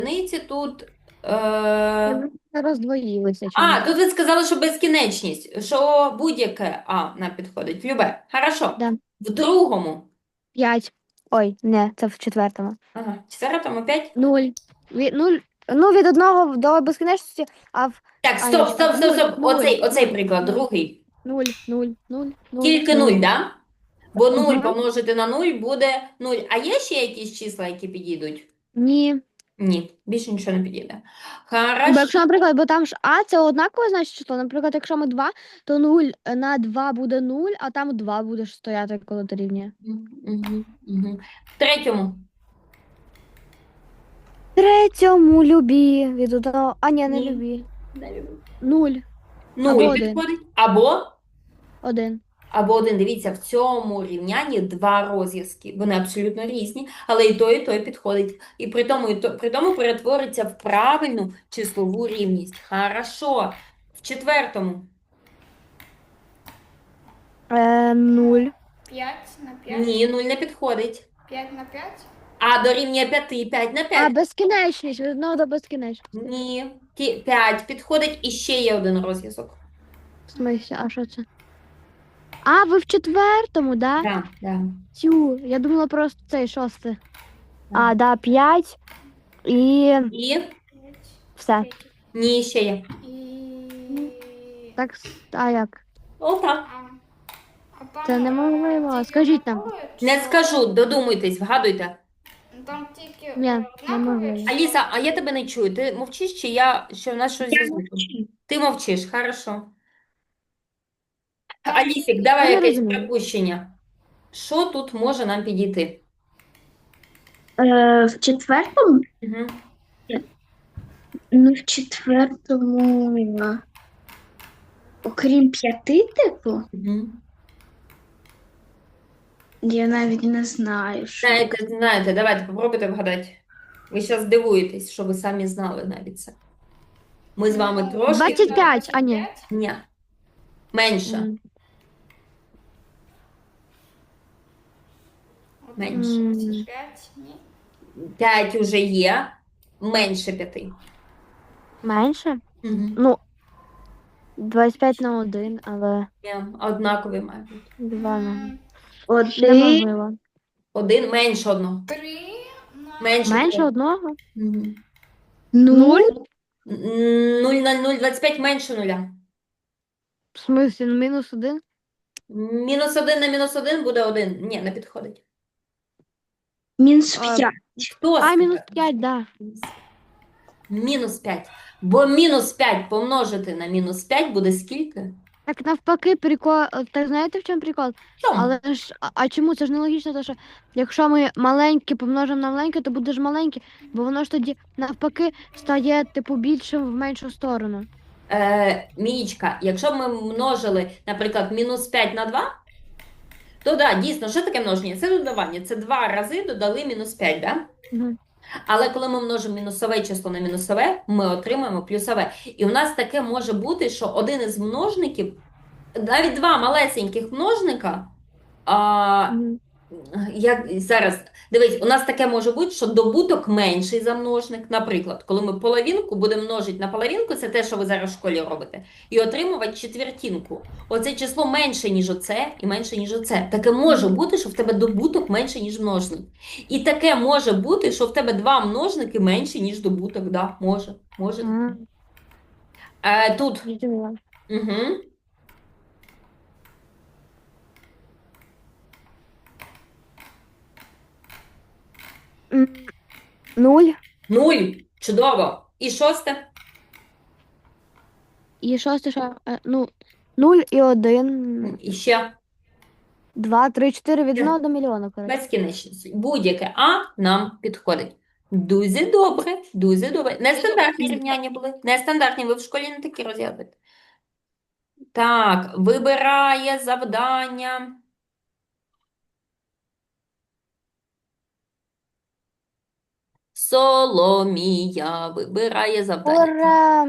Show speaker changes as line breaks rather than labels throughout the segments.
одиниці тут. Е...
Роздвоїлися
А,
чомусь.
тут ви сказали, що безкінечність, що будь-яке А нам підходить. Любе. Хорошо.
Да.
В другому.
5. Ой, не, це в четвертому.
Ага. Четвертому 5.
0. Нуль. Ну, від одного до безкінечності, а в.
Так,
А, ні,
стоп,
чекай.
стоп, стоп,
0,
стоп.
0,
Оцей
0,
приклад,
0,
другий.
0, 0, 0, 0,
Тільки
0.
0, да? Бо 0
Угу.
помножити на 0 буде 0. А є ще якісь числа, які підійдуть?
Ні.
Ні, більше нічого не підійде.
Бо
Хорошо.
якщо, наприклад, бо там ж А це однакове, значить число. Наприклад, якщо ми 2, то 0 на 2 буде 0, а там 2 буде ж стояти, коли дорівнює.
Угу, угу. В третьому.
Третьому любі від одного. А, ні, не
Ні.
любі.
Не люблю.
0 або
0
1.
підходить. Або
1.
1. Дивіться, в цьому рівнянні два розв'язки. Вони абсолютно різні, але і той підходить. І при тому перетвориться в правильну числову рівність. Хорошо. В четвертому.
0.
5 на 5.
Ні, 0 не підходить.
5 на 5.
А дорівнює 5, 5 на
А,
5.
безкінечність, від одного до безкінечності.
Ні. 5 підходить і ще є один розв'язок.
В смислі, а що це? А, ви в четвертому, да?
Так, так.
Тю, я думала просто цей шостий. А, да, 5 і
І?
все.
Ні, ще є.
І...
Так, а як?
Отак.
А там,
Це неможливо.
тільки
Скажіть нам.
однакові
Не
числа?
скажу, додумуйтесь, вгадуйте.
Там тільки
Ні,
однакові
неможливо.
числа?
Аліса, а я тебе не чую. Ти мовчиш, чи я що в нас щось зі звуком? Ти мовчиш, хорошо.
Там
Алісік,
тільки-
давай
Я не
якесь
розумію.
припущення. Що тут може нам підійти?
В четвертому?
Угу.
Ну, в четвертому, окрім 5, типу,
Угу.
я навіть не знаю, що.
Знаєте, давайте попробуйте вгадати. Ви зараз здивуєтесь, що ви самі знали навіть це. Ми з вами
Ну,
трошки
25, а ні.
Ні. Менше.
М,
Менше.
25, ні.
5 уже є. Менше 5.
Менше?
Угу.
Ну, 25 на 1, але
Однакові мають бути.
2 на.
М,
Один,
Неможливо.
Один менше одного.
3 на...
Менше
Менше
трьох.
одного?
Мгм.
0,
0 на 0,25 менше нуля.
В смислі, ну, мінус 1?
Мінус 1 на мінус 1 буде 1. Ні, не підходить.
мінус
А,
5.
Хто
А, мінус
сказав?
5, да.
Мінус 5. Бо мінус 5 помножити на мінус 5 буде скільки?
Так навпаки, прикол. Так знаєте, в чому прикол?
Чому?
Але ж, а чому? Це ж нелогічно, тому що якщо ми маленьке помножимо на маленьке, то буде ж маленьке, бо воно ж тоді навпаки стає, типу, більшим в меншу сторону.
Мієчка, якщо б ми множили, наприклад, мінус 5 на 2, то да, дійсно, що таке множення? Це додавання. Це 2 рази додали мінус 5, да?
Угу.
Але коли ми множимо мінусове число на мінусове, ми отримаємо плюсове. І у нас таке може бути, що один із множників, навіть два малесеньких множника,
Угу.
як зараз, дивись, у нас таке може бути, що добуток менший за множник. Наприклад, коли ми половинку будемо множити на половинку, це те, що ви зараз в школі робите, і отримувати четвертинку. Оце число менше, ніж оце, і менше, ніж оце. Таке може бути, що в тебе добуток менше, ніж множник. І таке може бути, що в тебе два множники менші, ніж добуток. Да, може. Тут.
Зрозуміла.
Угу.
М, 0
0. Чудово. І шосте?
і шосте, що? Ну, 0 і 1,
І ще
2, 3, 4 від 1 до мільйона, коротше.
безкінечність. Будь-яке А нам підходить. Дуже добре, дуже добре. Нестандартні рівняння були. Нестандартні, ви в школі не такі розглядуєте. Так, вибирає завдання. Соломія вибирає завдання.
Ура!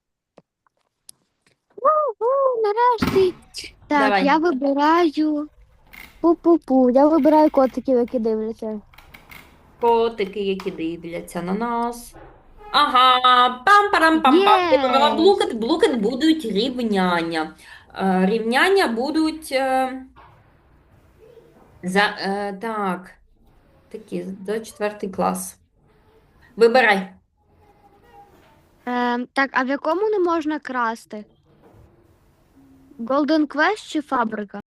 У, нарешті. Так,
Давай.
я вибираю. Пу-пу-пу. Я вибираю котиків, які дивляться.
Котики, які дивляться на нас. Ага, пам-парам-пам-пам.
Є!
Вибрала блукет. Блукет будуть рівняння. Рівняння будуть так, такі, за 4 клас. Вибирай.
Так, а в якому не можна красти? Golden Quest чи фабрика?